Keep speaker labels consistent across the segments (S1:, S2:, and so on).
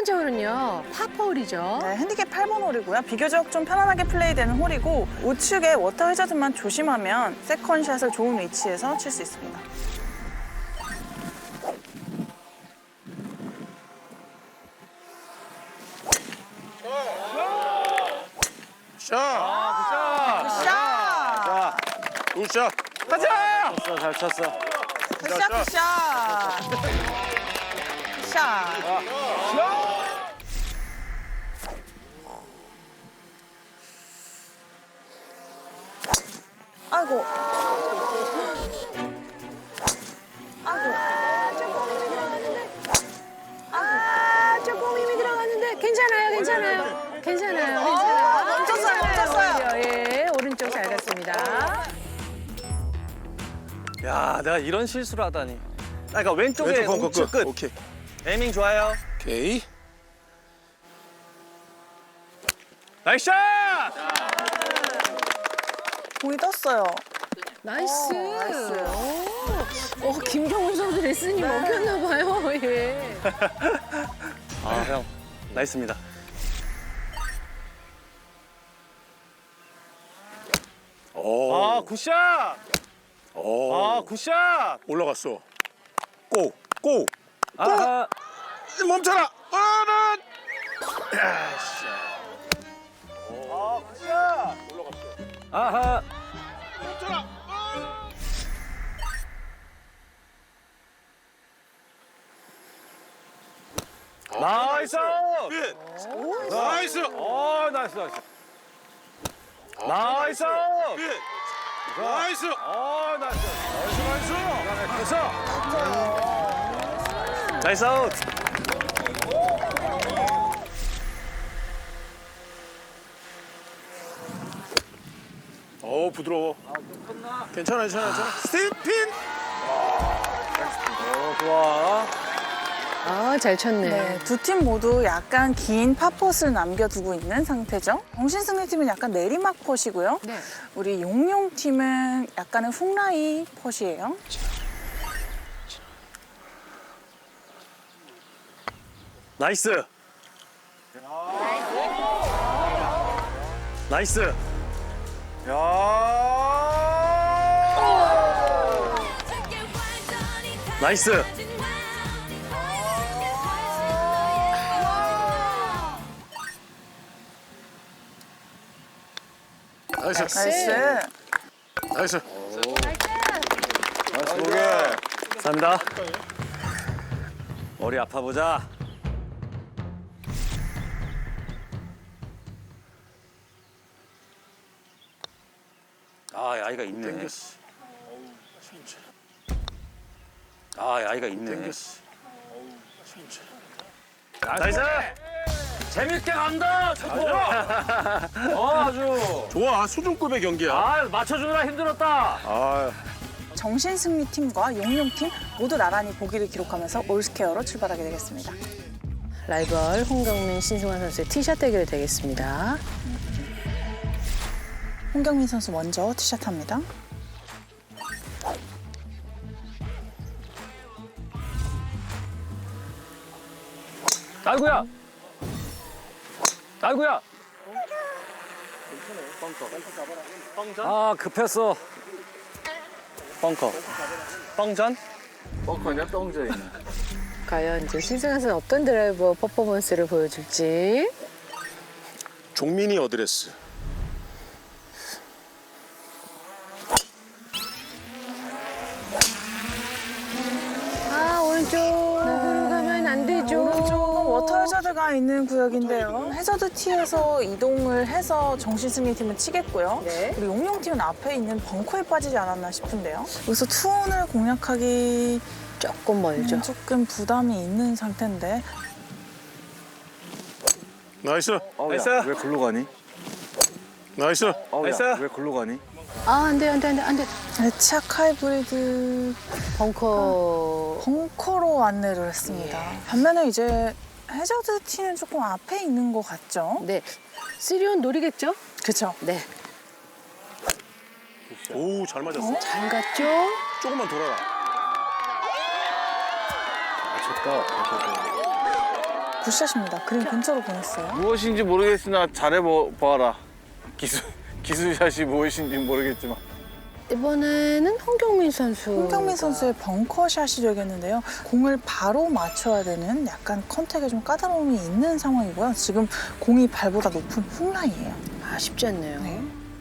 S1: 번째 홀은요, 파포홀이죠.
S2: 네, 핸디캡 8번 홀이고요. 비교적 좀 편안하게 플레이되는 홀이고 우측에 워터 해저드만 조심하면 세컨샷을 좋은 위치에서 칠 수 있습니다.
S3: 샷!
S2: 샷!
S3: 굿샷!
S4: 가자! 쳤어, 잘 쳤어.
S2: 굿샷! 굿샷! 샷! 아이고. 아이고.
S1: 조금 힘이 들어갔는데 괜찮아요, 괜찮아요. 괜찮아요,
S2: 멈췄어요, 멈췄어요.
S1: 오히려, 예, 오른쪽 잘 갔습니다.
S4: 야, 내가 이런 실수를 하다니. 아, 그러니까 왼쪽에
S3: 왼쪽 벙커
S4: 우측 끝.
S3: 오케이.
S4: 에이밍 좋아요.
S3: 오케이.
S4: 나이스 샷!
S2: 공이 떴어요.
S1: 나이스.
S2: 나이스.
S1: 김경훈 선수 레슨이 먹혔나 봐요, 예.
S4: 아, 형. 나이스입니다.
S3: 오.
S4: 아, 굿샷!
S3: 오.
S4: 아, 굿샷!
S3: 올라갔어. 고! 고!
S4: 아하.
S3: 멈춰라! 아,
S4: 아, 굿샷! 아하.
S3: 멈춰라!
S4: 나이스!
S3: pitch. 나이스!
S4: 나이스, 나이스. 나이스!
S3: pitch. 나이스!
S4: 나이스!
S3: 나이스!
S4: 됐어! 나이스 아웃!
S3: 부드러워. 괜찮아, 괜찮아, 괜찮아. 스티핀!
S4: 좋아.
S1: 아, 잘 쳤네.
S2: 네, 두 팀 모두 약간 긴 팝펫을 남겨두고 있는 상태죠. 정신승리팀은 약간 내리막 펫이고요.
S1: 네.
S2: 우리 용용팀은 약간은 훅라이 펫이에요.
S4: 나이스! 나이스! 나이스!
S3: 나이스!
S2: 나이스.
S3: 나이스!
S4: 나이스 보게! 감사합니다. 머리 아파보자. 아, 아이가 있네.
S3: 땡겼어.
S4: 아, 아이가 있네.
S3: 땡겼어.
S4: 나이스! 재밌게 간다, 초코! 아주.
S3: 좋아, 수준급의 경기야.
S4: 아, 맞춰주느라 힘들었다.
S3: 아,
S2: 정신승리팀과 용용팀 모두 나란히 보기를 기록하면서 올스퀘어로 출발하게 되겠습니다.
S1: 라이벌 홍경민, 신승환 선수의 티샷 대결이 되겠습니다.
S2: 홍경민 선수 먼저 티샷합니다.
S4: 아이고야! 아이고야! 아, 급했어. 벙커. 뻥전?
S1: 과연 이제 신승환 선수 어떤 드라이버 퍼포먼스를 보여줄지.
S3: 종민이 어드레스.
S1: 아, 오른쪽으로 가면 안 되죠.
S2: 오른쪽은 워터 해저드가 있는 구역인데요. 해저드 티에서 이동을 해서 정신승리팀은 치겠고요.
S1: 네.
S2: 우리 용용팀은 앞에 있는 벙커에 빠지지 않았나 싶은데요. 여기서 투혼을 공략하기
S1: 조금 멀죠.
S2: 조금 부담이 있는 상태인데
S3: 나이스!
S4: 나이스!
S5: 왜 글로 가니?
S3: 나이스!
S4: 나이스!
S5: 왜 글로 가니?
S1: 아, 안 돼, 안 돼, 안 돼, 안 돼.
S2: 애착 하이브리드
S1: 벙커.
S2: 벙커로 안내를 했습니다. 반면에 이제 해저드 티는 조금 앞에 있는 것 같죠?
S1: 네. 쓰리온 노리겠죠?
S2: 그렇죠.
S1: 네.
S3: 오, 잘 맞았어.
S1: 잘 갔죠?
S3: 조금만 돌아라.
S2: 굿샷입니다. 그린 근처로 보냈어요.
S3: 무엇인지 모르겠으나 잘해보아라. 기술샷이 무엇인지 모르겠지만.
S1: 이번에는 홍경민 선수.
S2: 홍경민 선수의 벙커샷이 되겠는데요. 공을 바로 맞춰야 되는 약간 컨택에 좀 까다로움이 있는 상황이고요. 지금 공이 발보다 높은 훅라인이에요.
S1: 아, 쉽지 않네요.
S2: 네.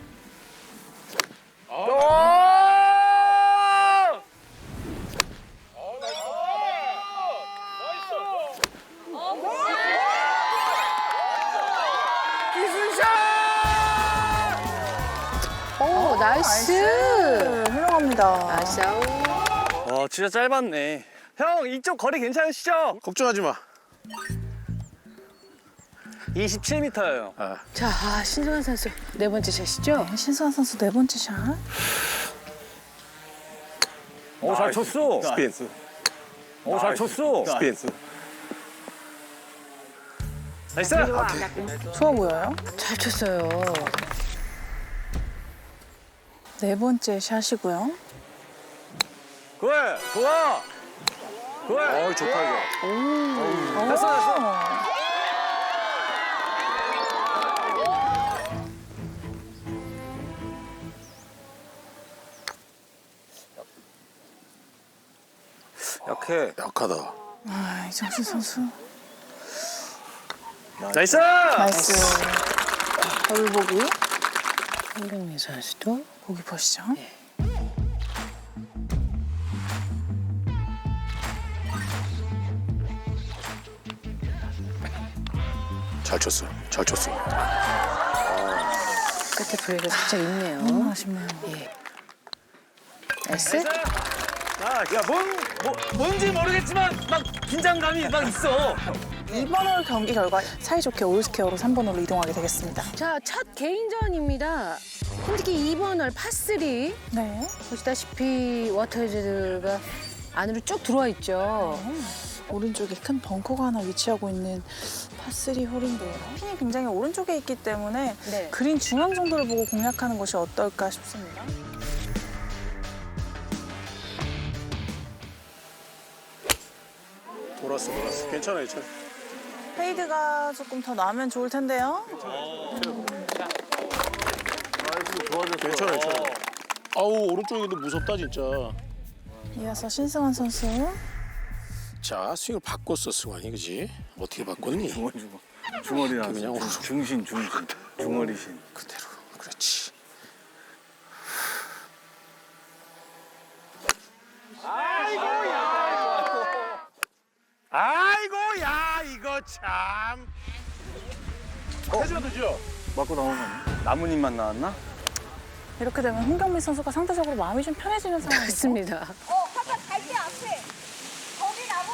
S1: 오, 나이스.
S2: 훌륭합니다.
S1: 나이스.
S4: 와, 진짜 짧았네. 형, 이쪽 거리 괜찮으시죠?
S3: 걱정하지 마.
S4: 27m예요.
S1: 자, 신승환 선수 네 번째 샷이죠?
S2: 신승환 선수 네 번째 샷.
S4: 오, 잘 쳤어.
S3: 스피드.
S4: 오, 잘 쳤어.
S3: 스피드.
S4: 나이스.
S2: 좋아 보여요.
S1: 잘 쳤어요.
S2: 네 번째 샷이고요.
S4: 그래, 좋아. 그래.
S3: 좋다 이거.
S4: 됐어. 약해.
S3: 약하다.
S2: 아, 이정신 선수.
S4: 나이스.
S2: 나이스. 더블 보기.
S1: 홍경민 선수도.
S2: 보기 보시죠.
S3: 잘 쳤어. 잘 쳤어.
S1: 끝에 브레이크가 살짝 있네요.
S2: 너무 아쉽네요.
S1: 예. 나이스.
S4: 야, 뭔지 모르겠지만 막 긴장감이 막 있어.
S2: 이번 홀 경기 결과 사이좋게 올스퀘어로 3번 홀로 이동하게 되겠습니다.
S1: 자, 첫 개인전입니다. 특히 2번 홀 파3.
S2: 네.
S1: 보시다시피 워터헤즈가 안으로 쭉 들어와 있죠.
S2: 오른쪽에 큰 벙커가 하나 위치하고 있는 파3 홀인데요. 핀이 굉장히 오른쪽에 있기 때문에
S1: 네.
S2: 그린 중앙 정도를 보고 공략하는 것이 어떨까 싶습니다.
S3: 돌았어. 괜찮아.
S2: 페이드가 조금 더 나면 좋을 텐데요.
S3: 괜찮아. 아우 오른쪽이 근데 무섭다 진짜.
S2: 이어서 신승환 선수.
S3: 자 스윙을 바꿨어 승환이 그지? 어떻게 바꿨니?
S4: 중얼이랑
S3: 그냥
S4: 중신. 중얼이신.
S3: 그대로. 그렇지. 아이고 야 이거 참. 해주면 되죠?
S4: 맞고 나온 거 아니야? 나뭇잎만 나왔나?
S2: 이렇게 되면 홍경민 선수가 상대적으로 마음이 좀 편해지는 상황이죠.
S1: 맞습니다.
S5: 아까 갈대 앞에 거기 나무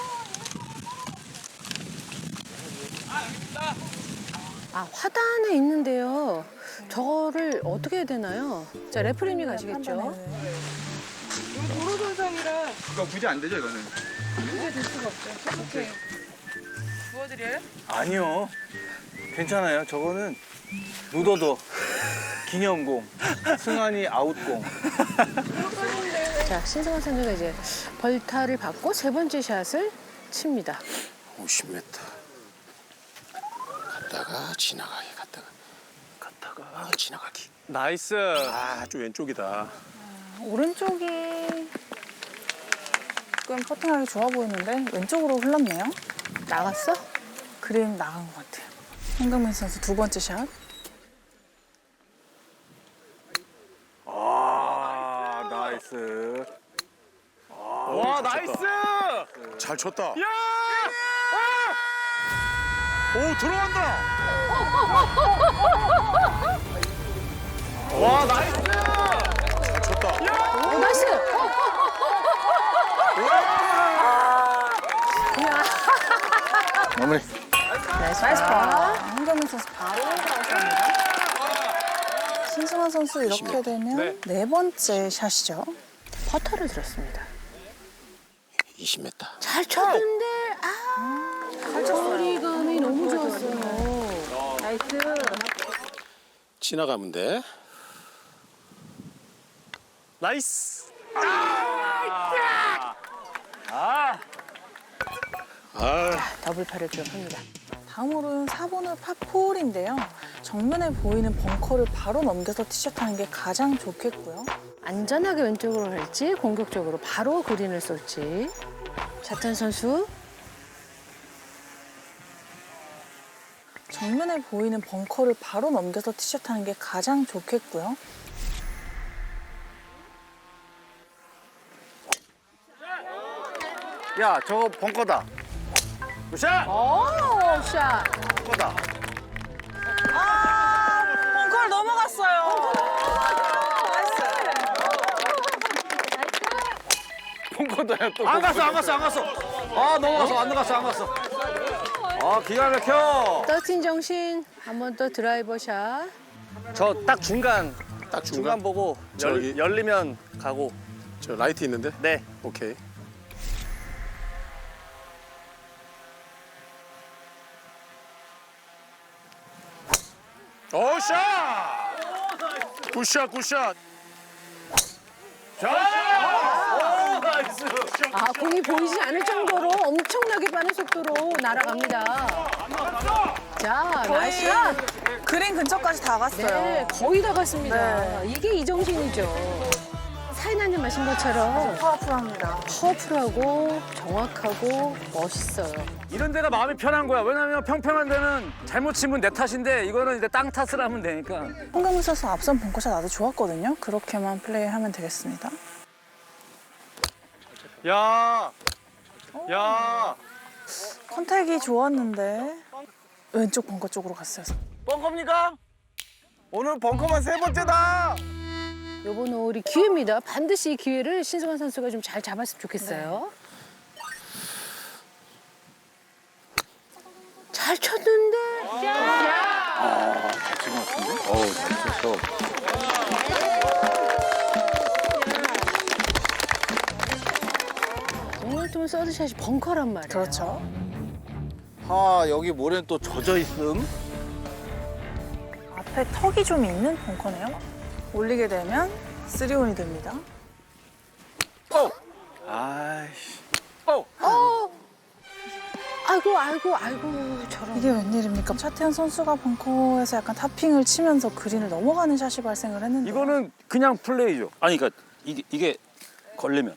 S1: 아, 화단에 있는데요. 저거를 어떻게 해야 되나요? 자, 레프리미 가시겠죠?
S4: 아니요. 괜찮아요. 저거는 묻어도 기념공. 승환이 아웃공.
S1: 자, 신승환 선수가 이제 벌타를 받고 세 번째 샷을 칩니다.
S3: 50m. 갔다가 지나가기 갔다가 지나가기.
S4: 나이스.
S3: 좀 왼쪽이다.
S2: 오른쪽이 조금 퍼팅하기 좋아 보이는데 왼쪽으로 흘렀네요.
S1: 나갔어?
S2: 그림 나간 것 같아요. 홍경민 선수 두 번째 샷.
S4: 나이스. 와, 나이스.
S3: 잘 쳤다.
S4: 야!
S3: 오 들어간다.
S4: 와, 나이스.
S3: 잘 쳤다.
S1: 오, 나이스!
S4: 마무리.
S1: 나이스.
S2: 나이스 파. 홍경민 선수 바로 들어갔습니다. 신승환 선수 이렇게 되면 네 번째 샷이죠.
S1: 퍼터를 들었습니다.
S3: 20m.
S1: 잘 쳤는데, 거리감이 너무 좋았어요. 나이스.
S3: 지나가면 돼.
S4: 나이스.
S3: 아
S1: 더블파를 기록합니다.
S2: 다음으로는 4번홀 파4인데요. 정면에 보이는 벙커를 바로 넘겨서 티샷하는 게 가장 좋겠고요.
S1: 안전하게 왼쪽으로 갈지 공격적으로 바로 그린을 쏠지. 자탄 선수.
S2: 정면에 보이는 벙커를 바로 넘겨서 티샷하는 게 가장 좋겠고요.
S4: 야, 저거 벙커다. 굿샷!
S1: 오, 샷.
S4: 벙커다.
S2: 벙커를 넘어갔어요.
S4: 벙커다야 또. 안 갔어. 아, 넘어갔어. 안 갔어. 아, 기가 막혀.
S1: 더틴 정신. 한 번 더 드라이버 샷.
S4: 저 딱 중간
S3: 중간
S4: 보고
S3: 저기.
S4: 열리면 가고.
S3: 저 라이트 있는데?
S4: 네.
S3: 오케이. 오, 샷! 굿샷, 굿샷.
S1: 아, 공이 보이지 않을 정도로 엄청나게 빠른 속도로 날아갑니다. 자, 나이스 샷.
S2: 그린 근처까지 다 갔어요.
S1: 네, 거의 다 갔습니다.
S2: 네.
S1: 이게 이정신이죠. 사인한님 마신 것처럼
S2: 파워풀합니다.
S1: 파워풀하고 정확하고 멋있어요.
S6: 이런 데가 마음이 편한 거야. 왜냐면 평평한 데는 잘못 치면 내 탓인데 이거는 이제 땅 탓을 하면 되니까.
S2: 홍경민 선수 앞선 벙커샷 아주 좋았거든요. 그렇게만 플레이하면 되겠습니다.
S4: 야.
S2: 컨택이 좋았는데 왼쪽 벙커 쪽으로 갔어요.
S4: 벙커입니까? 오늘 벙커만 3번째다.
S1: 요번 홀이 기회입니다. 반드시 이 기회를 신승환 선수가 좀 잘 잡았으면 좋겠어요. 잘 쳤는데.
S4: 어우, 잘 쳤어.
S1: 오늘쯤은 서드샷이 벙커란 말이에요.
S2: 그렇죠.
S4: 아, 여기 모래는 또 젖어 있음.
S2: 앞에 턱이 좀 있는 벙커네요. 올리게 되면 3온이 됩니다.
S4: 아이씨.
S1: 아이고 저런.
S2: 이게 웬일입니까? 차태현 선수가 벙커에서 약간 타핑을 치면서 그린을 넘어가는 샷이 발생을 했는데
S6: 이거는 그냥 플레이죠. 아니 그러니까 이게 걸리면.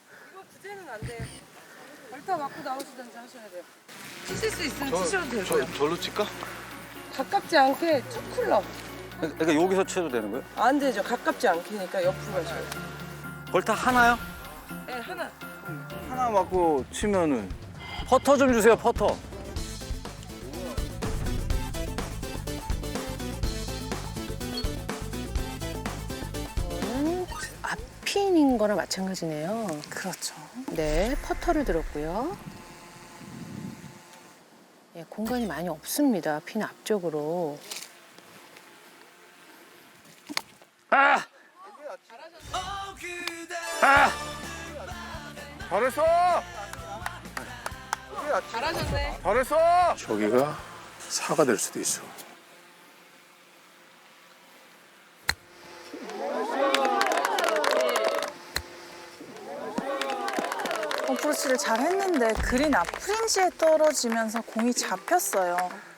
S7: 치실 수 있으면 치셔도 되고요.
S4: 절로 칠까?
S7: 가깝지 않게 첫 클럽.
S6: 그러니까 여기서 쳐도 되는 거예요?
S7: 안 되죠. 가깝지 않게니까 옆으로 가셔야 돼요.
S6: 벌타 하나요?
S7: 네, 하나.
S4: 하나 맞고 치면은.
S6: 퍼터 좀 주세요. 퍼터.
S1: 이거는 앞핀인 거나 마찬가지네요.
S2: 그렇죠.
S1: 네, 퍼터를 들었고요. 예, 공간이 많이 없습니다. 핀 앞쪽으로.
S4: 잘했어.
S7: 잘하셨네.
S4: 잘했어.
S3: 저기가 사가 될 수도 있어.
S2: 어프로치를 잘 했는데 그린 앞 프린지에 떨어지면서 공이 잡혔어요.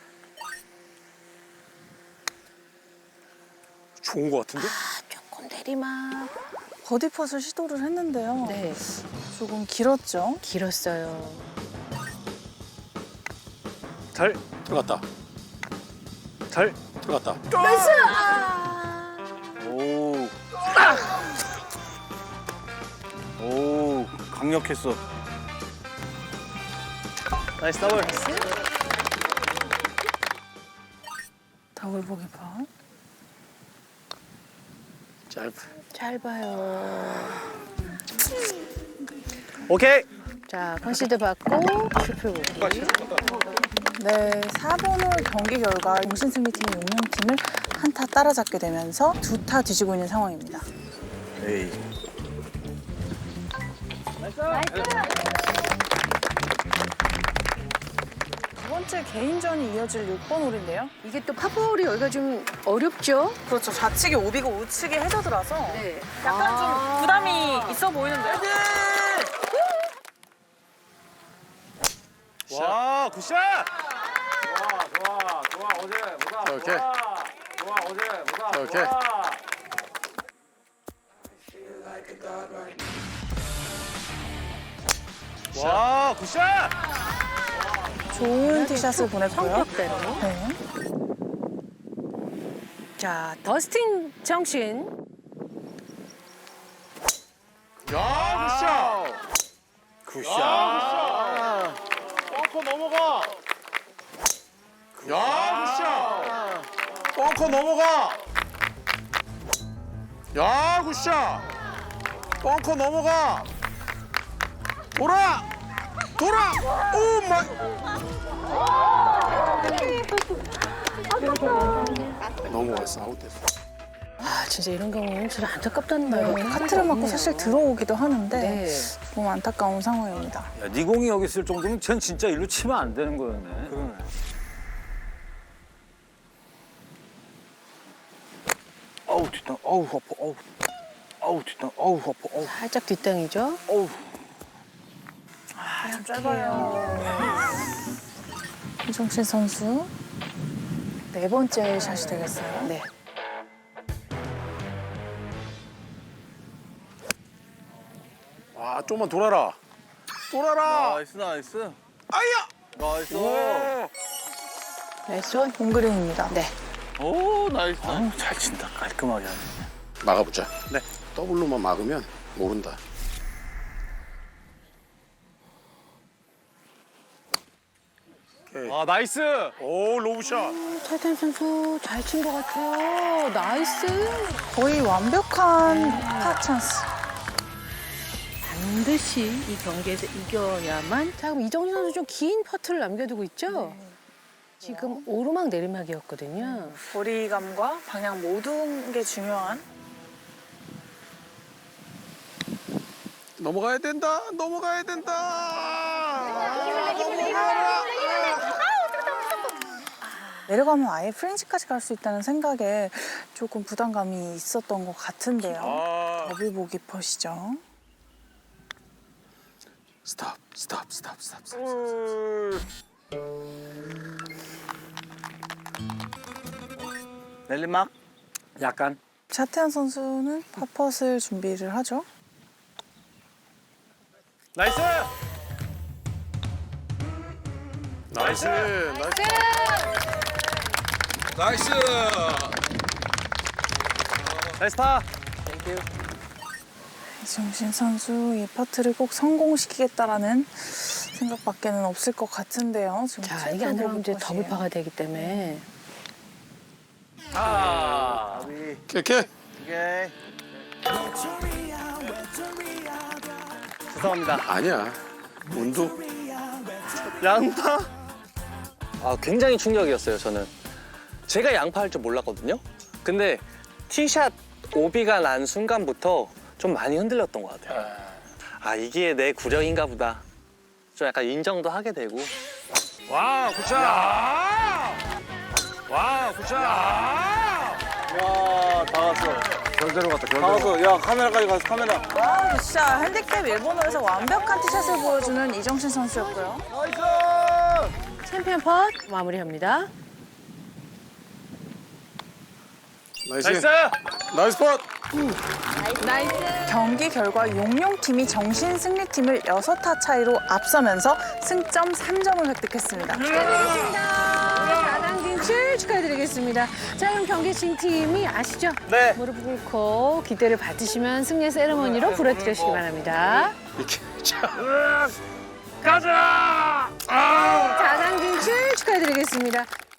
S3: 좋은 거 같은데?
S1: 조금 내리막.
S2: 버디 펫을 시도를 했는데요.
S1: 네,
S2: 조금 길었죠.
S1: 길었어요.
S6: 잘.
S3: 들어갔다.
S6: 잘.
S3: 들어갔다.
S1: 나이스! 아!
S4: 오. 오, 강력했어.
S6: 나이스 더블.
S2: 더블 보기 파.
S1: 짧아요.
S6: 오케이.
S1: 자, 컨시드 받고 트리플 보기.
S2: 네, 4번 홀 경기 결과 공신승리팀이 용명팀을 한 타 따라잡게 되면서 2타 뒤지고 있는 상황입니다.
S4: 에이.
S2: 두 번째 개인전이 이어질 6번 홀인데요.
S1: 이게 또 파포홀이 여기가 좀 어렵죠?
S2: 그렇죠. 좌측이 오비고 우측이 해저드라서
S1: 네.
S2: 약간 좀 부담이 있어 보이는데요.
S4: 와, 굿샷.
S3: 오케이. 오케이.
S4: 와, 굿샷!
S2: 좋은 티샷을 보냈고요.
S1: 성격대로.
S2: 네.
S1: 자, 더스틴 정신.
S3: 야, 굿샷.
S4: 굿샷!
S3: 벙커 넘어가. 야, 굿샷. 벙커 넘어가. 야, 굿샷. 벙커 넘어가. 돌아. 오 마이. 넘어갔어. 아웃됐어.
S1: 아, 진짜 이런 경우는 진짜 안타깝다는 말이에요.
S2: 네, 카트를 맞고 사실 들어오기도 하는데
S1: 네.
S2: 조금 안타까운 상황입니다.
S6: 야, 네 공이 여기 있을 정도면 쟨 진짜 일로 치면 안 되는 거였네.
S4: 그러네.
S6: 어우, 뒷땅. 어우, 아파. 어우. 어우, 뒷땅. 어우, 아파. 어우.
S1: 살짝 뒷땅이죠.
S6: 어우.
S2: 좀 짧아요. 이정신 선수 네 번째 샷이 되겠어요.
S1: 네.
S3: 와, 좀만 돌아라. 돌아라.
S4: 나이스.
S3: 아야.
S4: 나이스.
S1: 나이스 원.
S2: 홈그린입니다.
S1: 네.
S4: 오, 나이스.
S6: 아우, 잘 친다. 깔끔하게 하네.
S3: 막아보자.
S6: 네.
S3: 더블로만 막으면 모른다.
S4: 아, 나이스.
S3: 오, 로브샷.
S1: 타이탄 선수 잘 친 것 같아요. 나이스.
S2: 거의 완벽한 파 찬스.
S1: 반드시 이 경기에서 이겨야만. 자, 그럼 이정진 선수 좀 긴 퍼트를 남겨두고 있죠? 지금 오르막 내리막이었거든요.
S2: 거리감과 방향 모든 게 중요한
S3: 넘어가야 된다. 넘어가야 된다.
S2: 내려가면 아예 프렌치까지 갈 수 있다는 생각에 조금 부담감이 있었던 것 같은데요.
S3: 아.
S2: 더블 보기 퍼시죠.
S3: 스탑.
S6: nel리막? 약간.
S2: 차태현 선수는 파펫을 준비를 하죠.
S4: 나이스.
S3: 나이스.
S4: 나이스. 나이스 파.
S2: 이정신 선수 이 퍼트를 꼭 성공시키겠다라는 생각밖에는 없을 것 같은데요. 지금
S1: 자, 이게 안 들어가면 이제
S2: 퍼시예요.
S1: 더블파가 되기 때문에.
S4: 아.
S3: 오케이.
S4: 죄송합니다.
S3: 아니야. 운도.
S8: 양파? 아, 굉장히 충격이었어요, 저는. 제가 양파할 줄 몰랐거든요. 근데 티샷 오비가 난 순간부터 좀 많이 흔들렸던 것 같아요. 아, 이게 내 구력인가 보다. 좀 약간 인정도 하게 되고.
S4: 와, 굿샷. 와, 굿샷.
S8: 와, 다 왔어.
S4: 결대로 갔다.
S8: 다 왔어. 야, 카메라까지 가서 카메라.
S2: 아, 진짜 핸디캡 일본어에서 완벽한 티샷을 보여주는 이정신 선수였고요.
S1: 챔피언 펫 마무리합니다.
S3: 나이스. 나이스 팟.
S2: 경기 결과 용용팀이 정신 승리팀을 6타 차이로 앞서면서 승점 3점을 획득했습니다.
S1: 축하드리겠습니다. 4강 진출 축하드리겠습니다. 자, 그럼 경기 진 팀이 아시죠?
S8: 네.
S1: 무릎 꿇고 기대를 받으시면 승리의 세레머니로 부러뜨리시기 바랍니다.
S3: 이렇게. 자.
S4: 가자.
S1: 4강 진출 축하드리겠습니다.